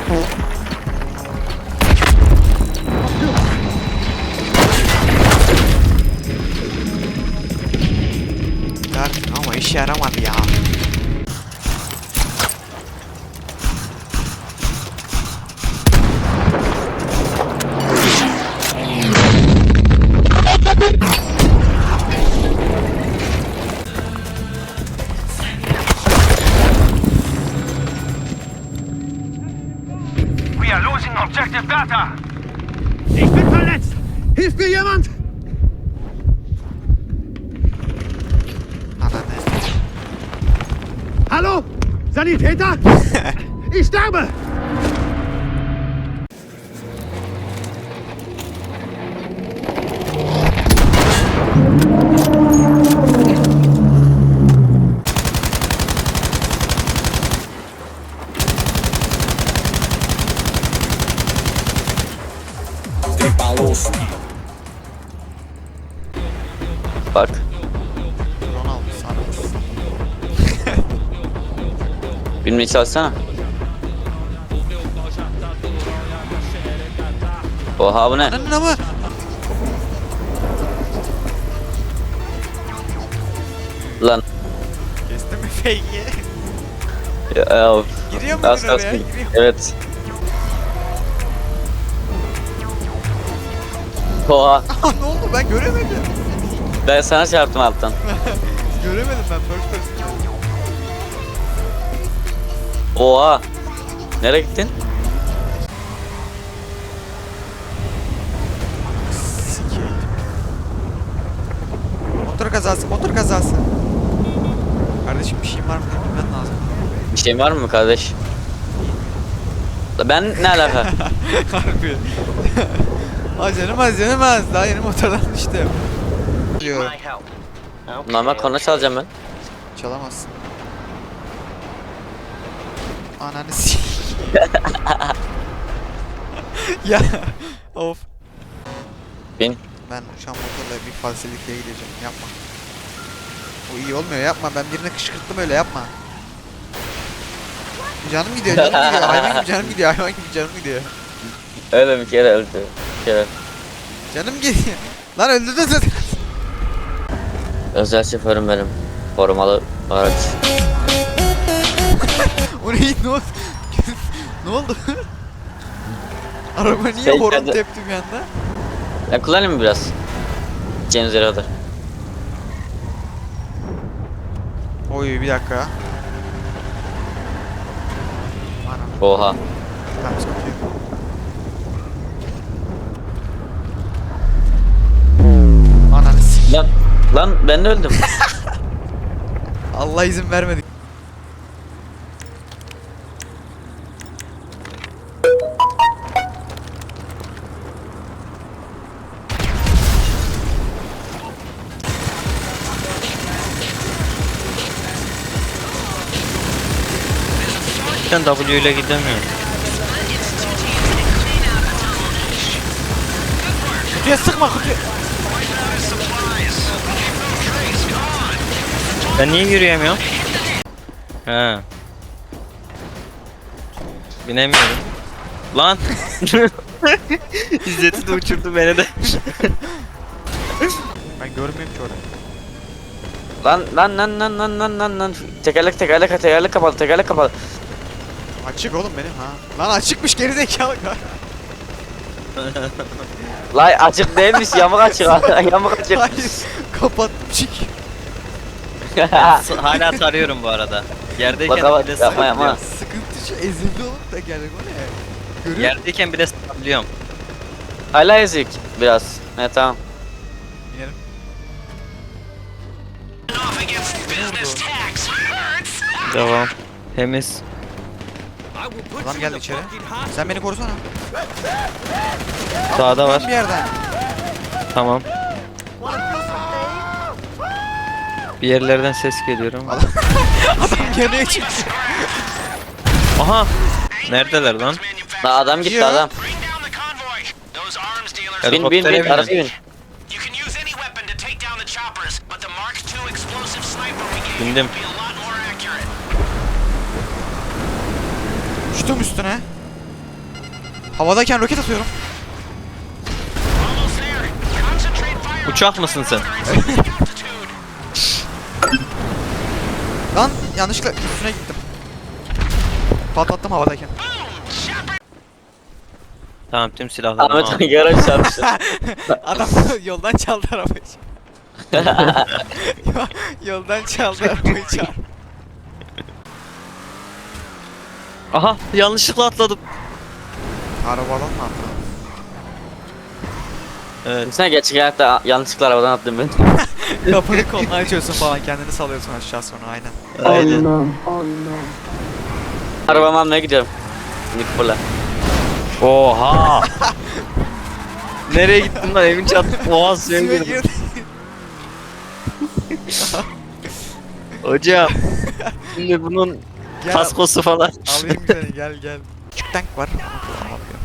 Ama işe yaramadı ya. We are losing objective data. Ich bin verletzt. Hilft mir jemand? Hallo? Sanitäter? Ich sterbe! Bak. Drone almış sana. Bilmeyi çalışsana. Oha bu ne? Ananın ama. Lan. Kestin mi fake'i? Ya, Giriyor mu az oraya? kalsın. Giriyor. Evet. Oha. Aa, ne oldu ben göremedim. Ben sana çarptım alttan. Göremedim ben first person. Oha. Nereye gittin? Sikeyim. Motor kazası, motor kazası. Kardeşim bir şeyin var mı diye bilmen lazım. Bir şeyin var mı kardeş? Ben ne alaka? Harbi. Az canım az. Daha yeni motordan düştüm. Diyor. Normal korna çalacağım ben. Çalamazsın. Ananı s***. Ya of. Bin. Ben şu an motorla bir falselikle gideceğim. Yapma. O iyi olmuyor, yapma. Ben birine kışkırttım, öyle yapma. Canım gidiyor, canım gidiyor. Hayvan gibi canım gidiyor, hayvan gibi canım gidiyor. Öyle bir kere öldü. Bir kere. Canım gidiyor. Lan öldürdün zaten. Özel şoförüm benim. Korumalı araç. O ne? Ne oldu? Ne oldu? Araba niye Şey, horon hadi. tepti bir anda? Ben kullanayım mı biraz? Gideceğiniz yere kadar. Oy bir dakika. Anam. Oha. Tamam, sıkıntı yok. Ananı s***. Lan ben de öldüm. Allah izin vermedi. Ben W ile gidemiyorum. Kutuya sıkma, kutuya. Ben niye yürüyemiyorum? He. Binemiyorum. Lan. İzzet'i de uçurdu beni de. Ben görmüyorum ki orayı. Lan. Tekerlek kapalı. Açık oğlum benim ha. Lan açıkmış gerizekalı. Lay açık değilmiş, yamuk açık. Yamuk açık. Hayır. Kapattım çık. Hala tarıyorum bu arada. Yerdeyken Bak, bile yapma, yapma. sıkabiliyorum. Sıkıntı şu, ezildi olup da geldik, o ne? Görüyor musun? Yerdeyken bile sıkabiliyorum. Hala ezik biraz. Ne tamam. İnelim. Devam. Temiz. Adam geldi içeri. Sen beni korusana. Sağda var. Bir yerden. Tamam. Bir yerlerden ses geliyor ama. Adam geriye çıktı. Aha. Neredeler lan? Lan adam gitti Gidiyor. adam. Bin Helikoptere binin. arabaya bin. Havadayken roket atıyorum. Almost there. Concentrate fire. Uçak mısın sen? Lan yanlışlıkla üstüne gittim. Patlattım havadayken. Tamam tüm silahlarımı Ahmet aldım. yarış çarpıştı. Adam yoldan çaldı arabayı. Yoldan çaldı arabayı çarp. Aha yanlışlıkla atladım. Arabadan mı attı? Evet. Sen gerçek hayatta yanlışlıkla arabadan attın ben. Kapını koluna açıyorsun falan kendini salıyorsun aşağı sonra aynen. Aynen. Arabamı almaya gidiyorum. Nikola. Oha. Nereye gittin lan evin çat? Oha suya Suya girdim. girdi. Hocam. Şimdi bunun Gel, kaskosu falan. alayım seni gel. Küçük tank var ama kullanamıyor.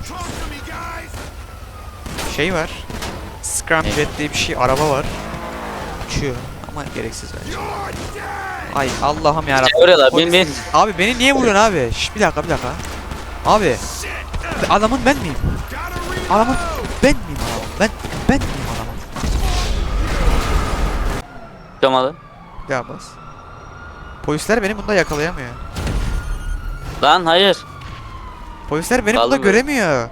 Şey var. Scramjet diye bir şey araba var. Uçuyor ama gereksiz bence. Ay Allah'ım yarabbim. Vuruyorlar Polis- bin bin. Abi beni niye vuruyorsun abi? Şş, bir dakika. Abi. Adamın ben miyim? Adamın ben miyim adamın? Ben miyim adamın? Tutamadı. Ya bas. Polisler beni bunda yakalayamıyor. Lan hayır. Polisler beni bunda Aldım ben. göremiyor.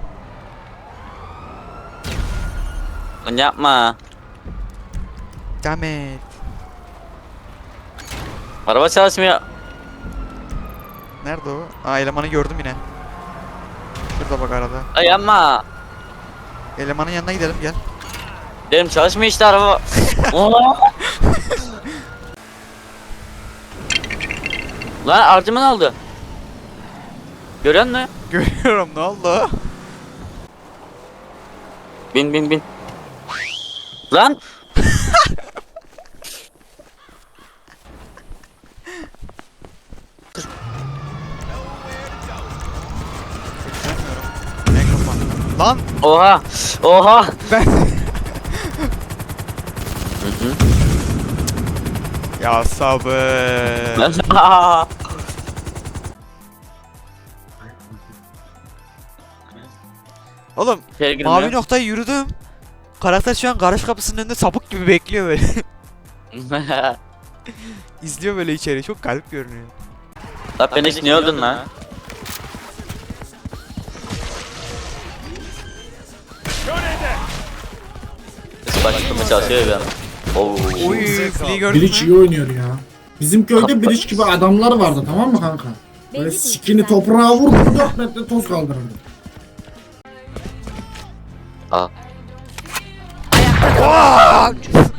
Lan yapma. Dammit. Araba çalışmıyor. Nerede o? Aa elemanı gördüm yine. Şurada bak arada. Ay yapma. Elemanın yanına gidelim gel. Benim çalışmıyor işte araba. Oo. Lan harcımı aldı. Görüyor musun? Görüyorum ne oldu? Bin. Lan. Mikrofon. Lan Oha. ben... Hı hı. Ya sabır. Oğlum İçeri girmiyor. mavi noktayı yürüdüm. Karakter şu an garaj kapısının önünde sapık gibi bekliyor böyle. İzliyor böyle içeri. Çok garip görünüyor. Lan ben hiç niye öldün lan? Başlamaya çalışıyor ya. Oo. Oy flea'yı gördün Bridge iyi mü? oynuyor ya. Bizim köyde Bridge gibi adamlar vardı tamam mı kanka? Böyle sikini toprağa vurdu 4 metre toz kaldırırdı. Aa. Aa!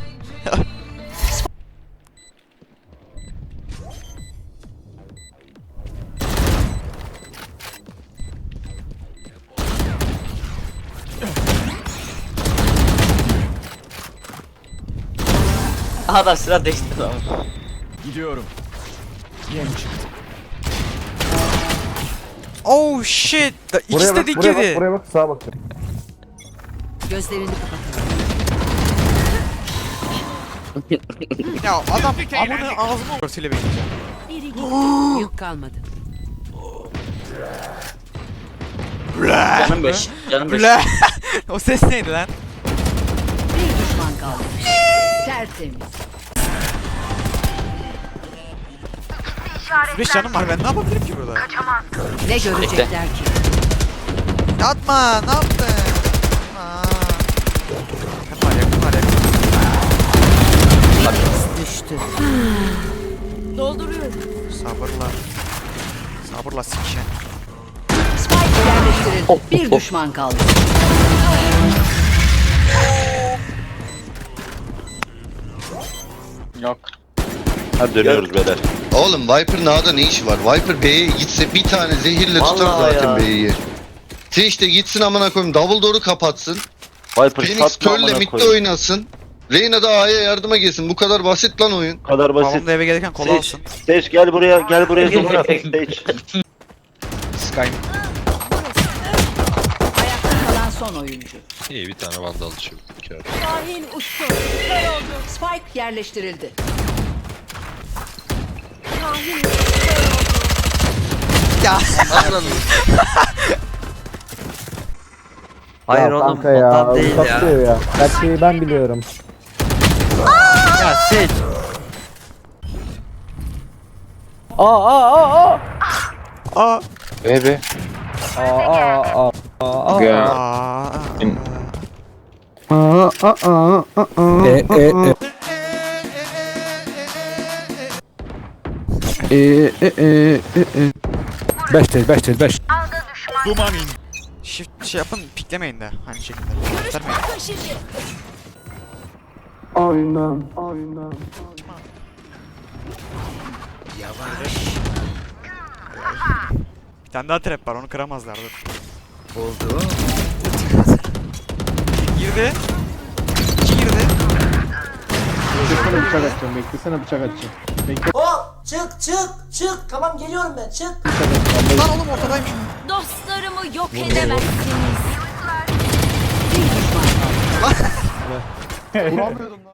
Adam silah değiştirdi lan. Gidiyorum. Yem çıktı. Oh shit. İkisi de dik yedi. Buraya bak sağa bak. Gözlerini kapatalım. Ya adam amını ağzıma örtüyle bekleyeceğim. Biri gitti. Yük kalmadı. Canım 5. Canım 5. Bla. O ses neydi lan? Bir düşman kaldı. Tertemiz. 5 canım var ben ne yapabilirim ki burada? Ne görecekler ki? Atma ne yaptın? Aa. Yakın var. Düştü. Sabırla sikişen. Spike yerleştirildi. Bir düşman kaldı. Yok. Hadi dönüyoruz beyler. Oğlum Viper'ın A'da ne işi var? Viper B'ye gitse bir tane zehirle tutar Vallahi zaten ya. B'yi. Twitch de gitsin amına koyayım double door'u kapatsın. Viper Phoenix satma Pearl'le amına midde koyayım. oynasın. Reyna da A'ya yardıma gelsin. Bu kadar basit lan oyun. Bu kadar basit. Babam da eve gelirken kola Sage, alsın. Sage gel buraya sonra Sage. Sky. Ayakta kalan son oyuncu. İyi bir tane vandal düşürdüm. Şahin uçtu. Spike yerleştirildi. Ya. Hayır Ya oğlum kanka ya, ondan değil ya. uzatıyor ya. Gerçeği ben biliyorum. Ya seç. Aa. Bebe. Aa. Shift şey yapın, piklemeyin de aynı şekilde. Göstermeyin. Aynen. Bir tane daha trap var, onu kıramazlar. Dur. Oldu. Girdi. İki girdi. Beklesene bıçak atacağım. Beklesene bıçak atacağım. Hop çık tamam geliyorum ben çık. Lan oğlum ortadaymış. Dostlarımı yok edemezsiniz. Vuramıyordum lan.